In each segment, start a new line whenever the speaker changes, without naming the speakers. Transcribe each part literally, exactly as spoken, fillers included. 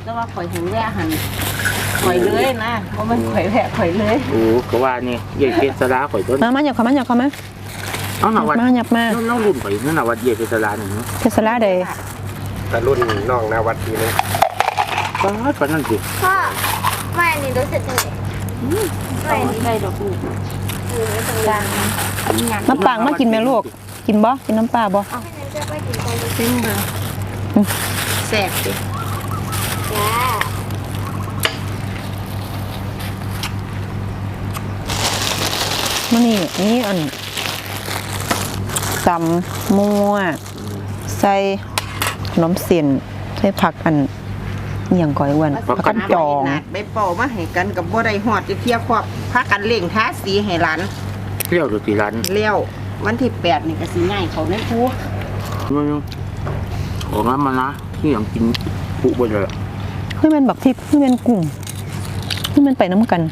แต่ว่าข่อยถึงแย่หันข่อยเลยนะเพราะมันข่อยแผลข่อยเลย
โอ้ก็ว่านี่ใหญ่เพชรสลาข่อยต้น
มามาหยับเขามาหยับเขามา
เอาหนาวัด
มาหยับมา
น้องรุ่นข่อยนั่นหนาวัดใหญ่เพชรสลาหนึ่งเนาะ
เพชรสลาเดย์
แต่รุ่นน้องนาวัดทีนึง
ก็ปันนั่นสิ
พ่อไม่อันนี้รู้สึกยังไงไม่อันนี้
ได้ดอกลูก
คือตรงกลาง
น้ำปลามากินไหมลูกกินบ่กินน้ำปลาบ่
แค่นั้นจะไปกินตรงนี้
ซิ่งเลยแสบดิ
จ้า
มันนี่นี่อันตำมั่วใส่ขนมเส้นใส่ผักอันอย่างก่อยอ้วนผักกันจอง
ใบเป่ามาให้กันกับบัวไดหอดจะเที่ยวครอบพากันเล่งท้าสีให้หลาน
เลี้ยวตัวตีรัน
เลี้ยววันที่แปดนี่ก็สีง่ายเขาในครัว
มึงของน้ำมานะที่อย่างกินปุบไปเลย
เพื่อมันบักทิพย์เพื่อมันกลุ่มเพื่อมันไปน้ำกัน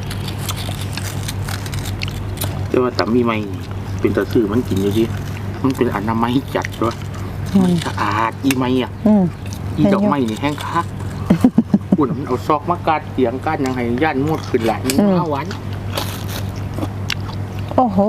เรียกว่าสามีใหม่เป็นตะซื่อมันกินอยู่ดิมันเป็นอนามัยจัดด้วยมันสะอาดอีไม้อ่ะอีดอกไม้นี่แห้งคักอุ่นมันเอาซอกมากาดเสียงกาดยังไงย่านมดขึ้นหลายห้าวัน
โอ้โห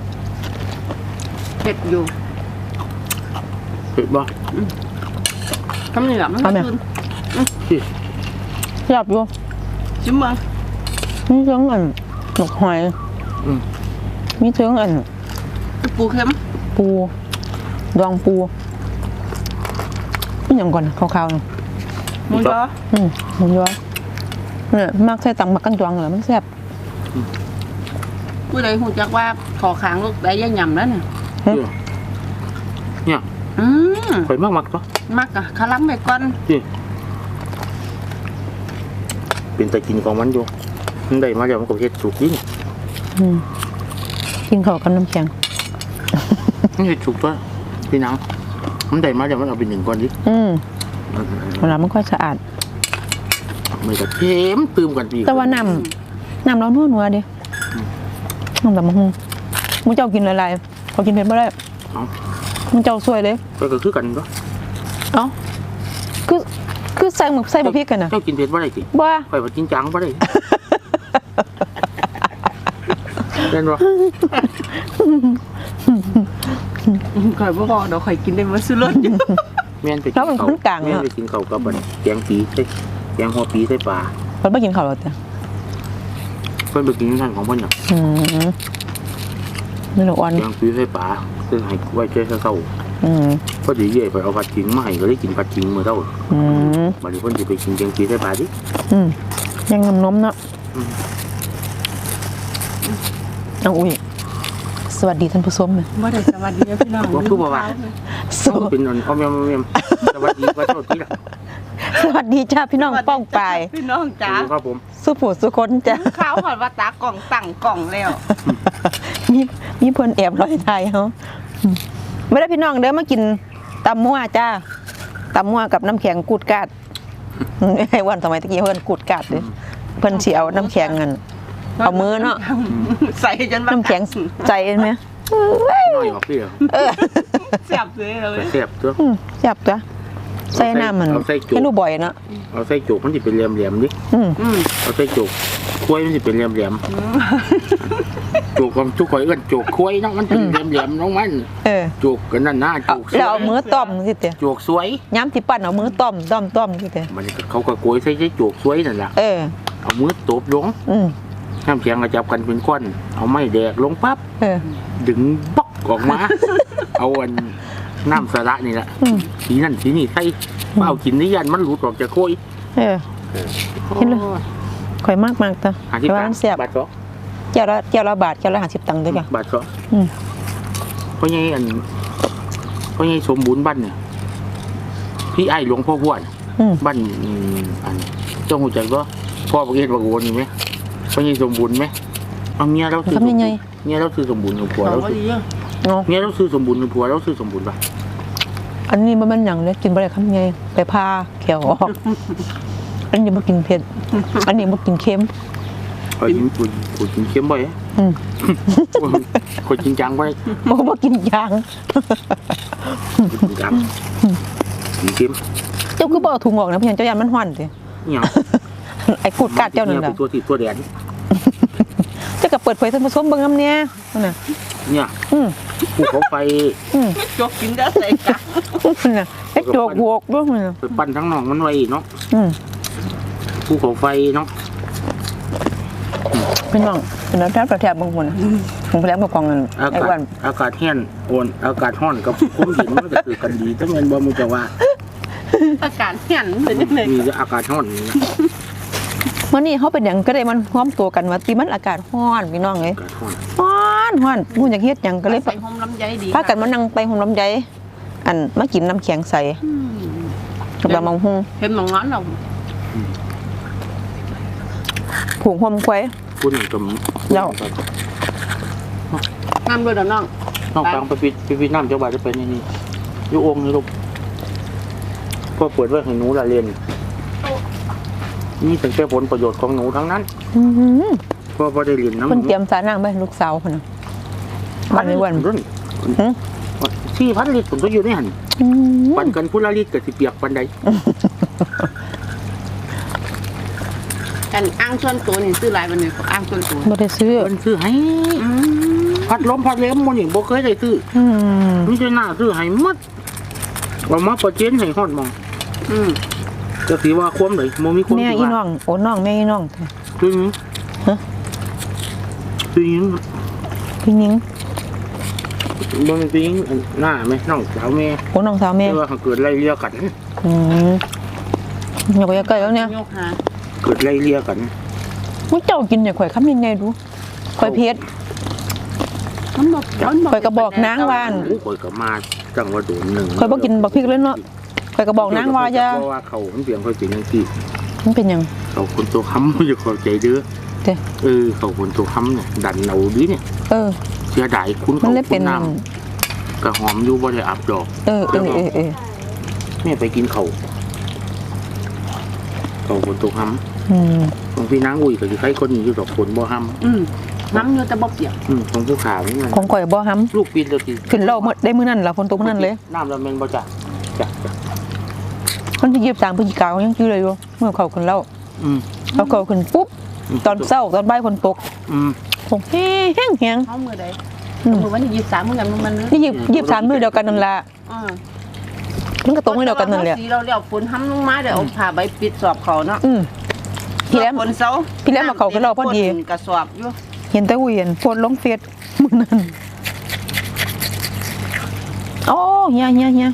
เผ็ดอยู่
เผ็ดบ่
ทำนี่แหละมันก็คืน
หยับอยู่
จิ้มมั้ง
มีเชิงอันหนกหอยมีเชิงอัน
ปูเค็ม
ปูดองปูนี่อย่างก่อนขาวๆ
หมูยอ
อืมหมูยอเนี่ยมากใส่ตังมักกันจวงเหรอมันแซ่บ
ผู้ใดหูจักว่าขอขางลูกได้ยังยำแล้วเนี่ย
เนี่ย
อืม
ข่อยมากมักปะ
มักอะคาลัมไปก่อน
เป็นแต่กินของมันอยู่มันได้มาแล้วมันก็เฮ็ดสุกยิ่ง
กินข้าวกับน้ำแข็ง
นี่เฮ็ดสุกตัวพี่นางมันได้มาแล้วมันเอาไปหนึ่งก้อนดิ
อืมเวลามันค่อยสะอาด
ไม่ก็เค็มตื่มกันปี
แต่ว่าน้ำน้ำเรานัวนัวดิน้ำแบบมึงมึงเจ้ากินอะไรๆเขากินเผ็ดไม่ได้มึงเจ้าสวยเลย
ก็คือกันก็
เอ้าคือคือใส่หมึกใส่บะพริกกันนะ
เจ้ากินเผ็ดบ่ได้สิ
บ้า
ไปว่ากินจังบ่ได้เล่นบ่
ข่อยบ่พอเดี๋ยวข่อยกินได้มาซื้อรถอยู่
แม่นไปกินเขาแม่นไปกินเขากับแกงปีใส่แกงหัวปีใส่ปลา
เพิ่นไม่กินข้าวหรอกจ้ะ
เพิ่นไปกินนั่นของเพิ่นน่ะ
อืมนี่หนูอ่อน
แกงปีใส่ปลาซึ่งให้ไว้เจ้าเศร้า
อืม
พอดีเย่ไปเอาผัดขิงมาให้ก็ได้กินผัดขิงมื้อเท่า
อืม
บัดนี้เพิ่นสิไปกินแกงปีใส่ปลาดิ
อืมยังน้ำนมเนาะเอาอุ้ยสวัสดีท่านผู้ชมเลย
บ่ได้สวัสดีพี่น้อง
ว่าคือบ่ว่าสวัสดีเป็นนนพ่อแม่แม่สวัสดีว่าเท่าที่ล่ะ
สวัสดีจ้าพี่น้องป้องปาย
พี่น้องจ้า
ครับผม
สุผู้สุคนจ้า
ข้าวหอดว่าตากล่องตั้งกล่องแล้ว
มีมีเพิ่นแอบลอยไทยเฮาไม่ได้พี่น้องเด้อมากินตำมั่วจ้าตำมั่วกับน้ำแข็งกูดกาดไอ้วันสมัยตะกี้เพิ่นกูดกาดเลยเพิ่นสิเอาน้ำแข็งเงินเอามือเนาะ
ใส่จน
น้ำแข็งใจไหม
น้อยออกพี่
เออแซ่บเลยเลย
แซ่บตัว
แซ่บตัวใส่น้ำมันให้ดูบ่อยเนาะ
เอาใส่จุกมันจะเป็นเหลี่ยมๆดิเอาใส่จุกคุ้ยมันจะเป็นเหลี่ยมๆจุกของจุกข่อยเอื้อนจุกคุ้ยเนาะมันเป็นเหลี่ยมๆน้องมันจุกกันนั่นหน้าจุก
แล้วเอามือต้มสิเต๋อ
จุกสวย
ย้ำที่ปั้นเอามือต้มต้มต้มสิเต๋อ
มันเขาก็โกยใส่ใส่จุกสวยนั่นแหละ
เออ
เอามือตบลงน้ำแข็งกระจับกันเป็นก้อนเอาไม้แดกลงปั๊บดึงป๊อกออกมาเอาอันน้ำสาระนี่แหละสีนั่นสีนี่ใส่เปล่ากินนิยันมันหลุดออกจากโค้ย
เออกินเลยข่อยมากมากตัวแต่ว่ามันเสียบบาทสองเจ้าละเจ้าละบาทเจ้าละห้าสิบตังค์ด้วยกัน
บาทสองเพราะงี้อันเพราะงี้สมบูรณ์บ้านเนี่ยพี่ไอ้หลวงพ่อบ้านบ้านอันเจ้าหูใจก็พ่อประเกศประโกนอยู่ไหมเพราะงี้สมบูรณ์ไหมเอาเมียเราซื้อเมียเราซื้อสมบูรณ์กับผัวเราเมียเราซื้อสมบูรณ์กับผัวเราซื้อสมบูรณ์ป่ะ
อันนี้มันมันอย่างเลยกินไปเลยครับไงไปพาแขวออกอันนี้มากินเผ็ดอันนี้มากินเค็ม
กินกุนกุนกินเค็มบ่อยคนกินจังบ่อย
มันก็มากินยาง
กินจังกินเค็ม
จ้าคือบ่เอาถุงออกนะพี่ยันเจ้ายันมันห่อนสิ
เนี่ย
ไอ้กูดกัดเจ้านั่นแหละ
ตัวที่ตัวแดน
เจ้าก็เปิดเผยท่านผู้ชมเบิ่งน้ำเนี่ยนั่นน่ะ
เนี่ย
อืม
ภูเขาไฟ
อืม
จกกินได้ใส่กัน
นั่นน่ะไอ้โจกโวกด้วยมันน่ะ
ไปปั้นทั้งหนองมันไว้เนาะ
อืม
ภูเขาไฟเนาะ
เป็นน้องเป็นน้ำแทบแทบบางคนผมไปแล้วกับกองเงิน
อา
ไอ้
กา
วั
ศ
น
อากาศแห้งโอนอากาศร้อนกับคุ้มเย็นมันก็คือกันดีแต่แม่นบ่มึงจะว่า
อากาศเห็นเป็นยังไง
มีแต่อากาศร้อนนี่นะ
วันนี้เขาเป็นอย่างก็ได้มันพร้อมตัวกันว่าตีมันอากาศร้อนพี่น้องเอ้ย
อากาศร้อน
ร้อนร้อนพูดอย่างเฮ็ดหยังก็เลย
ใส่หอมลำไยดี
พากันมานั่งไปหงลำไยอันมากินน้ำแข็งใสกับลำมังหุง
เห็นหมองนั้นเรา
ผูกหอมควาย
พูดหนึ่งกับ
เดี๋ยว
งามด้วยเด้อน้อง
น้องฟังไปปิดไปปิดน้ำเจ้าบ่าวจะเป็นนี่นี่อยู่องค์นี่ลูกก็เปิดไว้ให้หนูละเรียนนี่เป็นแค่ผลประโยชน์ของหนูทั้งนั้น
อื้อหือ
ก็พอได้เรียนน้ำห
เพิ่น
นู
เตรียมสานั่งไปลูกสาวคนน่ะบ้านในวัน
รุ่น
หือ
สี่พันลิตรผมก็อยู่ในหัน
อื้อหือ
ปันกันพุละลิตรกับสิเปียกปันใด
กันอ้างส่วนตัวนี่ซื้อหลายวันนี้อ้างส่วนตัว
บ่ได้ซื้อ
เพิ่นซื้อให้พัดลมพัดเล็มมันอย่างบ่เคยได้ซื้อ
อืม
มีแต่หน้าซื้อให้หมดเอามาประเจนให้ฮอดหมอง
อืม
ก็สิว่าความเลยบ่มีความ
แม่
สิ
อี
ว่า
น้องโอ้น้องแม่อีน้อง
คือหยัง
ฮะ
คือหยัง
พี่นิ้ง
บ่มีคือหยังหน้าแม่น้องสาวแม่
โอ้น้องสาวแม่
แต่ว่าเกิดไล่เลี่ยกัน
อืมอย่าไปใกล้แล้วเนี่ย
ยกหา
เกิดไล่เลี่ยกัน
มึงเจ้ากินเนี่ยข่อยคำยังไงดูข่อยเพชร
มันบอกมันบอก
ข่อยก็บอกนางว่า
โอ้ข่อยก็มาจังว่าโดนหนึง
ข่อยบ่กินบักพริกเลยเนาะข่อยก็บอกนางว่าอย่า
เพราะว่าเขามันเปลี่ยนเขาเป็นจังซี่
มันเป็นหยัง
เขาคนตัวค้ำอย่าเข้าใจเด้อ
เด้
เออเขาคนตัวค้ำเนี่ยดันเอาดิเนี่ย
เออ
เสียดายคุณ
มั
เขา
นเลย
คุ
เป็
ณ
น
น้ำกระหอมอยู่บ่ได้อับดอก
เออเออเออเออ
แม่ไปกินเขาเขาคนตัวค้
อืม
ำของพี่นางอุ้ยก็อยู่ใครคนนี้อยู่ดอกผลบ่ห้
อืมน้ำเยอะแต่บ่เปียก
ำอืมของผู้ขาวนี่มัน
ของข่อยบ่ห้
ลูกปีนเลยที
ำขึ้นเหล่าหมดได้มื้อนั้นล่ะฝนตกมื้อนั้นเลย
น้ำละเมนบ่จ้ะจ้ะจ้ะ
มันสิยีบสามพฤศจิกายนยังชื่อเลยอยู่เมื่อเขาขึ้นเหล่า
อืม
เขาเขาขึ้นปุ๊บตอนเช้าตอนบ่ายฝนตก
อืม
ตกแห้งแห้ง
เขามือใด
อืม
มือวันที่ยี่สิบสามมือกันมือมัน
นี่ยีบยีบสามมื้อเดียวกันนั่นล่ะ
อ่า
มันก็ตกมื้อเดียวกันนั่นแหละ
สีเราเรียกฝนห้ำลงมาเดี๋ยวเอาผ้าใบปิดสอบเขาเนาะ
อืมพี่แหลม
ฝนเสา
พี่แหลมมาเขากับเราพอดี
กระสอบอยู่
เห็นแต่อุ้ยเห็นโพสต์ลงเฟซมื้อนั้นโอ้เฮียเฮียเฮีย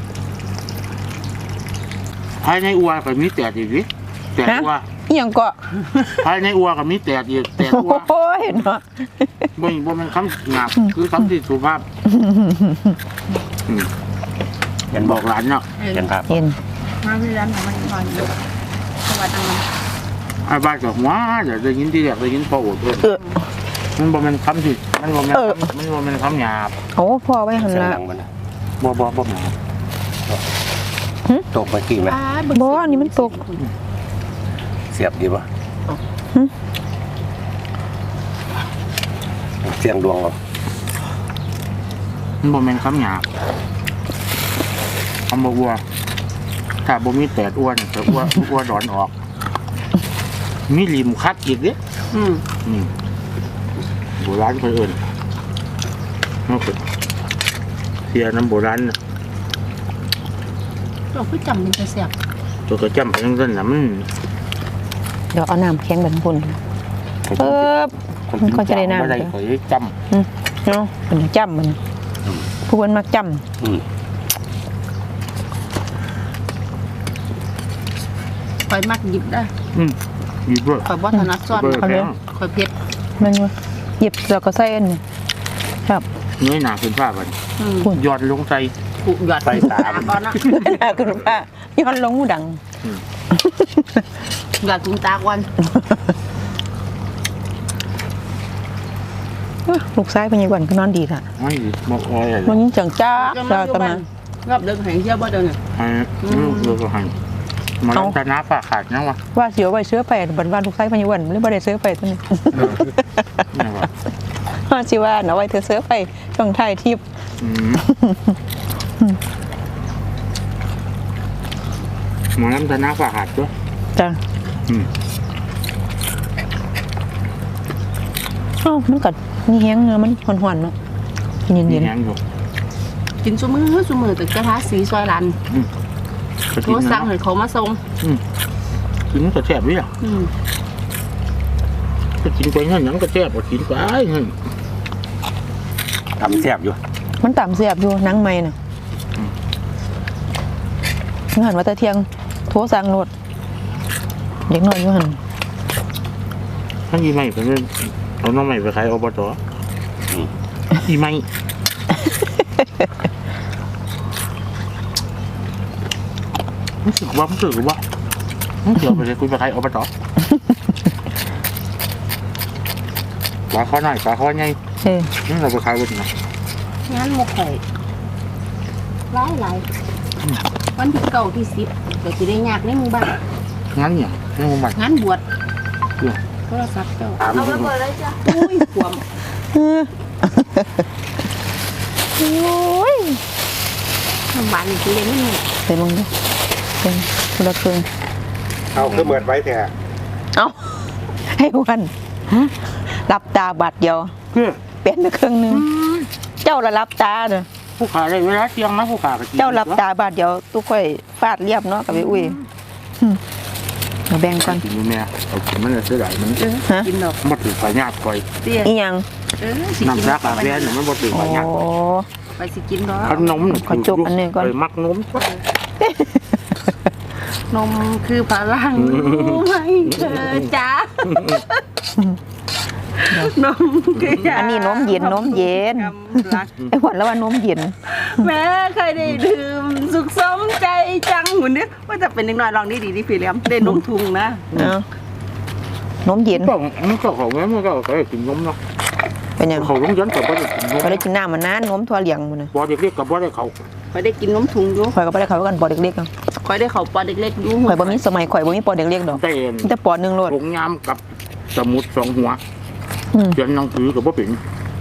ภายในอัวก็มีแตดอีกดิแตด
ฮะ
อัว
อีหยังก็
ภายในอัวก็มีแตดอีกแตดอัว
โอ้ยเนาะ
บ่บ่แม่นคำหยาบคือคำที่สุภาพอืม
เห็น
บบ อ
อก
กหลานเนาะ
เห็นครับ
เห็น
มาที่ร้านมันนอนอยู่สวัสดี
ไอ้บ้านก็ว้าเดี๋ยวได้ยินที่แรกได้ยินพ่อโอดเพิ่น
เออ
มันบ่แม่นคำที่มันบ่แม่น
เออ
คำมันบ่แม่นคำหยาบ
โอ้พ่อไว้หัน
เสียง
ละ
ดังมันน่ะ
บ่บ่บ่หยาบ
ตกเมื่อกี้ไหม
บ่อันนี้มันตก
เสียบดีป่ะ
หึ
เสียงดวงเหรอ
มันบ่แม่นคำหยาบคำบ่วัวถ้าบ่มีแตดอ้วนจะอ้วนอ้วนดอนออก มีริมคัดอีกเด้
อืม
อืมโบราณเพิ่นเอิ้นเนาะเสียน้ำโบราณน่ะ
เราคือจำมันจะเสียบ
ตัวก็จำไปจังซั่นน่ะมัน
เดี๋ยวเอาน้ำแข็งแบบพุ่นเออ มันก็จะได้น้ำ
บ่ได้เคยจำ
อืมเนาะเป็นจำมันผู้คนมักจ
อืม
คอยมักหยิบได้
อืมอยู่เบ่
คอยบ่ถนัดซ้อน
เบ่แพง
คอยเผ็ด
ำมันอยู่หยิบแล้วก็ใส่อันนี้ครับ
เงยหน้าขึ้นฟ้าบัด
อืม
ยอดลงใส่
ผูกหยอด
ใส่ตา
ตาก่อนนะ
คุณป้าย้อนลงหูดัง
หยอดถุงตาก่อน
ลูกซ้ายเป็นยังไงก็นอนดีละ
ไม่บอกอะไร
มันยิ่งจังจ้า
จะ
จ้า
มาอยู่
ตะ
บ้า
มา
นรอบเดินแห่งเที่ยวบ่เดินเนี่ย
ให้ลูกเราก็ให้มาลงตาน้าฝากขาดนะวะ
ว่าเสียวไว้เสื้อไปบันวันลูกซ้ายเป็นยังไงหรือบ่ได้เสื้อไปตัวนี้
นี่วะ
ว่าสิว่าเอาไว้เธอเสื้อไปช่วงท้ายทิพย์
อืมหมอน้ำธนาฝาหัดด้วย
จ้ะ
อืม
เอ้ามันกัดมีแห้งเนื้อมันหวานๆเนาะเย็น
มี
เย็น
แห้งอยู่
กินซุมือซุมือตึกกระทะสีซอยรัน
ก็
โท
กิน
ร
นะ
สั่งให้เขามาส่ง
อืมกินก็แซ่บด้วยอ่ะ
อืม
ก็กินไปเงี้ยหนังก็แซ่บกว่ากินไปเงี้ย
ทำแซ่บอยู่
มันต่ำเสียบอยู่หนังไม้น่ะงานว่าแต่เที่ยงโทรสั่งรถเด็กน้อยอยู่หั่น
ท่านอีไม่เป็นเอาน้องใหม่ไปขายอบตอีไม่รู้สึกว่ารู้สึกว่าเดี๋ยวไปเลยคุยไปขายอบตปลาข้อหน่อยปลาข้อใหญ่
เออ
นี่เราไปขายวันไหน
งั้นหมกไข่หลายหลายวันที่เก่าที่สิบก็จะได้ยากในหมู่บ้าน
งั้นเนี่ยนี่มัน
งานบวช
เพื่อ
โทรศัพท์เจ้า
ตาม
เอาไปเปิดเลยจ้ะ
อุ้ยขวม
เออโอ้ย
น้ำหวานนี่คือเรียนไม่หมด
ใส่ลงดิเป็นคนละครึ่ง
เอาคือเหมือนไว้แต่
เอาให้วันหลับตาบาดเดียว
เพื่อ
เปลี่ยนไปครึ่งหนึงเจ้าละหลับตาเด้อ
ผู้ขายได้เวลาเที่ยงนะผู้ขายก็กิน
เจ้าหลับตาบาดเดียวตู้ค่อยฟาดเรียบเนาะกับไปอุ้ยอืมเอาแบ่งกัน
กินอยู่เนี่ยเอากินมันจะเสียดายมัน
ฮะ
กินดอก
มันถือไปญาติคอย
เตี้ย
อีหยัง
เออสิกิ
น้ำ
น
รักอาแวนเนี่ยมันบ่ถือ
โอ้
ไปญาติ
ไปสิกินดอก
ขนมเนี่ย
ขอจบอันนี้ก่อน
ไปมักนม
นมคือพลังรู้ไหมเธอจ้านมคือ
อันนี้นมเย็นนมเย็น
กำลัง
ไอ้หวันแล้วว่านมเย็น
แม้เคยได้ดื่มสุขสมใจจังหุ่นนี้ว่าจะเป็นเด็กน้อยลองนี่ดีดีพี่เลี้ยมได้นมทุงนะ
เอานมเย็น
ก็มันก็ของแม่มันก็เคยกินนมเนาะ
เป็นหยัง
เขาต้องยันกับว่าได้กินนม
ก็ได้กินน้ำมันนานนมทั่วเหลียงมันนะ
พอเด็กเรียกกับว่าได้เขา
คอยได้กินนมทุงอยู่
ข่อยก็บ่ได้เข้ากันปอเด็กๆอะ
คอยได้เขาปอเด็กๆอยู่
ข่อยบ่มีสมัยข่อยบ่มีปอเด็กๆดอก
เต้น
มีแต่ปอหนึงโลด
ผงยามกับสมุดสองหัว
อืม
เขียนหนังสือกับว่าเป็น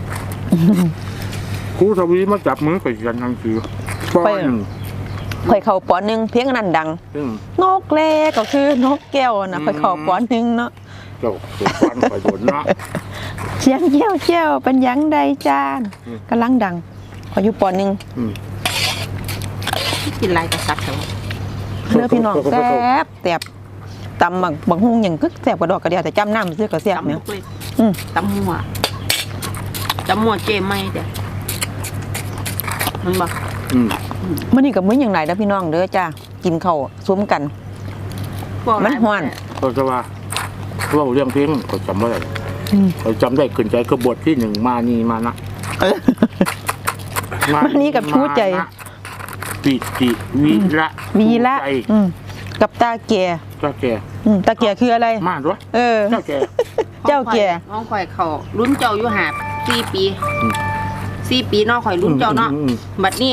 ครูทวีมาจับมือไปเขียนหนังสือป้อนหนึ่ง
ข่อยเข้าปอหนึงเพียงอันนั้นดัง
ซึ่ง
นกแรกก็คือนกแก้วนะข่อยเข้าปอหนึงเนาะ
เจ้าเกิดป้อนไปโดนเนาะ
เสียงเจียวเจียวเป็นหยังใดจาน
อืม
กำลังดังข่อยอยู่ปอหนึง
อืม
กินลายกระซับเถอะ
เลือพี่น้องแซ่บแซ่บตำบักบักฮุงหยังกึกแซ่บกว่าดอกกระเดียวแต่จำน้ำซื้อก็แซ่บ
ตำ
เนี่ย
ลูกเล็ก
อืม
ตำหัวตำหัวเจไม่เด้อมันบอก
อืม
มื้อนี้ก็มื้อหยังหลายเด้อพี่น้องเด้อจ้ากินข้าวซุ้มกัน
บอกหลาย
มันฮ้อน
ก็จะว่าว่าเรื่องเพลงก็จำไม่ได้
อืม
เขาจำได้ขึ้นใจคือบทที่หนึ่งมานีมานะ
เออ มานี่กับชูใจ
มานะปิติวิระ
วีละ
ใจ
อืมกับตาแก่
เจ้าแก่
อืมตาแก่คืออะไร
มาด้วย
เออ
เจ้าแก่
เจ้าแก่
น้องข่อยเขารุ่นเจ้าอยู่หาบสี่ปี
อืม
สี่ปีน้องข่อยรุ่นเจ้าเนาะ
อืมอืม
บัดนี้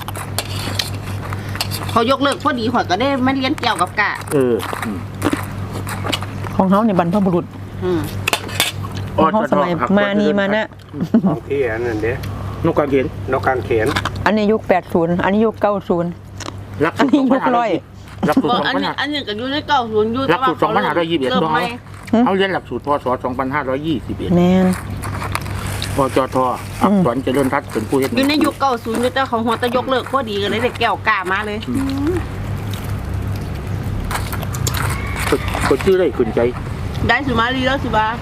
เขายกเลิกพอดีข่อยก็ได้มาเรียนเกี่ยวกับกะ
เอออืม
ของเฮาในบรรพบุรุษ
อืม
ของเฮาสมัยมานีมานะ
ของที่อันนั้นเด้
นกกระเขน
นกกางเขน
อันนี้ยุคแปดสิบอันนี้ยุคเก้าสิบ
รัก
อันนี้ยุคร้อย
รักสูต
บ
ร
อก
สอง
อัน
พัน
นี้
ห้า
อันนี้ก็อยู่ในเก้าศูนย์อยู่
หลักสูตรสองพันห้าร้อยยี่สิบเอ็ด
เริ่ม
น้อง
ไหม
เขาเรียนหลักสูตรพศสองพันห้าร้อยยี่สิบเอ็ด
แม่น
พจทอักษรเจริญทัศน์เป็นผู้เฮ็ด
อยู่ในยุคเก้าศูนย์อยู่แต่ของหัวแตะยกเลิกพอดีก็เลยได้แก้วกามาเลย
ก็ชื่อได้ขึ้นใจ
ได้สุมาลีแล้วสิบา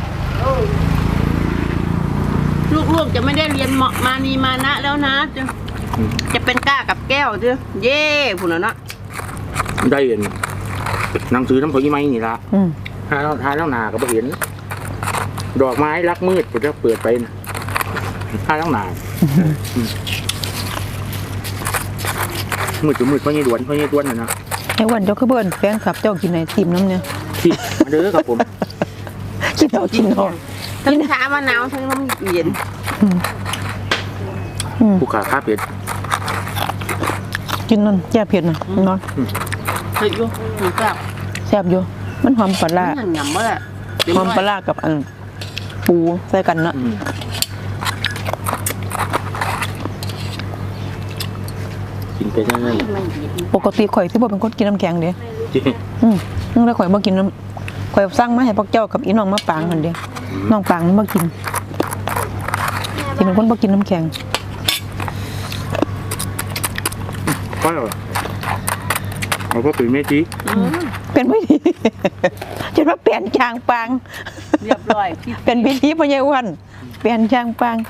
ลูกๆจะไม่ได้เรียนเหมาะมานีมานะแล้วนะจะจะเป็นก้ากับแก้วจ้ะเย่ผุนแล้วเนาะ
ได้เห็นหนังสือน้ำผึ้งไม้นี่ละ
อืม
หาแล้วหาแล้วหนาก็บ่เห็น ดอกไม้รักมืดก็จะเปิดไปนะหาแล้วหนาอืมมืดจะมืดเพราะยี่ดวนเพราะยี่ดวนน่ะนะ
ไอ้วันเจ้าคือเบิ่นแฟนคลับเจ้ากินไอติมน้ำเนี่ย
ที่มาเด้อครับผม
กินเอากินเอา
ทั้งชามะนาวทั้งน้ำเย็น
อืมอืม
ผู้ขาค้าเป็ด
กินนั่นแย่เผ็ดน่ะเนาะ
เฮ้ยอยู่หนูกลับ
แซ่บอยู่มันหอมปลาร้า
หยำๆว่าแหละ
หอมปลาร้ากับอันปูใส่กันเนาะ
อืมกินไปได้เลย
ไม่ดี
ปกติข่อยที่บ่เป็นคนกินน้ำแข็งเด้
ไม่รู้
จริง
อืมนึกแล้วข่อยบ่กินน้ำข่อยสั่งมาให้พวกเจ้ากับอีน้องมาปางมันเดียวน้องปางมันบ่กินที่เป็นคนบ่กินน้ำแข็ง
ก็เอาก็เป็นเมจิ
เป็นไม่ดี จนว่าเปลี่ยนจางปาง
เรียบร้อยพี่
เป็นพิธีพญาวันเปลี่ยนจางปาง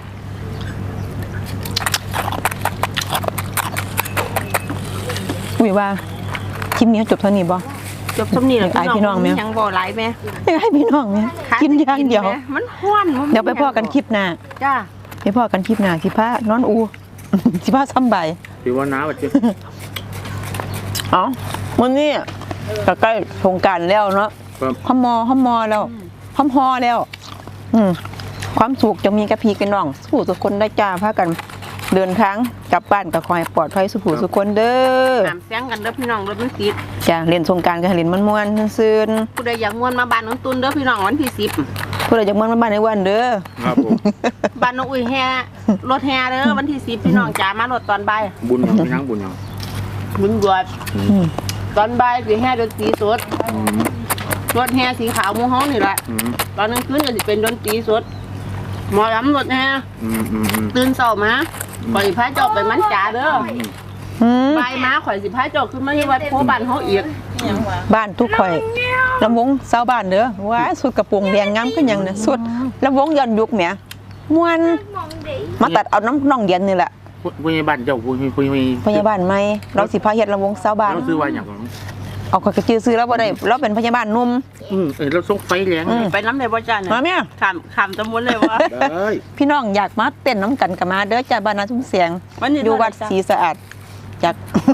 อุ้ยว่าคลิปนี้จบเท่านี้บ่
จบสำนีแล้ว
ไอ้พี่น้องแม่
ยังบ่หลายแม่
อยากให้พี่น้องไหมกินอย่างเดียว
แม่มันห้วนมัน
เดี๋ยวไปพ่อกันคลิปหน้า
จ้า
ไปพ่อกันคลิปหน้าสิพานอนอู สิพาซ้ำใบ
ถือว่าน้าแบบเจ้
เอ้าวันนี้ก็ใกล้สงกรานต์แล้วเนาะ
ครับ
ห้อมมอห้อมมอแล้วห้อมฮอแล้ว อืมความสุขจะมีกับพี่กับน้องสู้ทุกคนได้จ้าพากัน เดินทางกลับบ้านก็ขอให้ปลอดภัยสุขสุขคนเด้อ
น้ำเสียงกันเด้อพี่น้องรถมันติด
จ้าเล่นสงกรานต์ก็ให้เล่นม่วนๆซื่น
ผู้ใดอยากม่วนมาบ้านน้องตุนเด้อพี่น้องวันที่สิบ
ๆผู้ใดอยากม่วนมาบ้านในวันเด้อ
ครับผม
บ้านน้องอุ้ยแห่รถแห่เด้อวันที่สิบพี่น้องจ๋ามารถตอนบ่าย
บุญยังไม่นั่งบุญยัง
บุญบวช
อืม
ตอนบ่ายสิแห่ดนตรีสด
อืม
รถแห่สีขาวหมูฮ้องนี่แหละ
อืม
ตอนกลางคืนก็สิเป็นดนตรีสดหมอลำรถแห่
อืมอืมอืม
ตื่นเช้ามาข่อยสิพาเจ้าไปมันจ๋าเด้อ
อืม
บ่ายมาข่อยสิพาเจ้าขึ้นมาที่วัดโพบ้านเฮาอีก
บ้านทุกข่อยลำวงเศร้าวบ้านเด้อว้าสุดกระโปรงแดงงามก็ยังเนี่ยสุดลำวงย้อนยุคแหมม่วน
มองดี
มาตัดเอาน้ำน้องเดียนนี่แหละ
ผู้ใหญ่บ้านเจ้าผู้ผู้ผู้
พยาบาลใหม่เราสิพาเฮ็ดลำวงเศร้าวบ้าน
เราซื้อไว้อย่างไร
เอาข่อยก็ชื่อซื้อแล้วบ่ได้เราเป็นพยาบาลหนุ่ม
อืมเออเราส่งไฟแรง
อืม
ไปน้ำเลยบ่จ้าเนี่ย
มาเมีย
ขามขามตำบลเลยว่า
ได้
พี่น้องอยากมาเต้นน้ำกันกับมาเด้อจ้าบ้านนาทุ่งเสียง
วันนี้
อยู่วัดศรีสะอาดจาก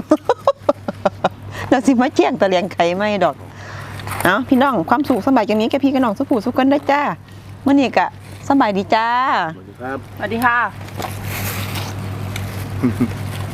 เราสิมาแจ้งตะเลียงไข่ไม่ดอกเอาพี่น้องความสุขสบายอย่างนี้แกพี่กับน้องสุขผู้สุขกันได้จ้าเมื่อนี้กะสบายดีจ้า
สวัสดีครับ
สวัสดีค่ะ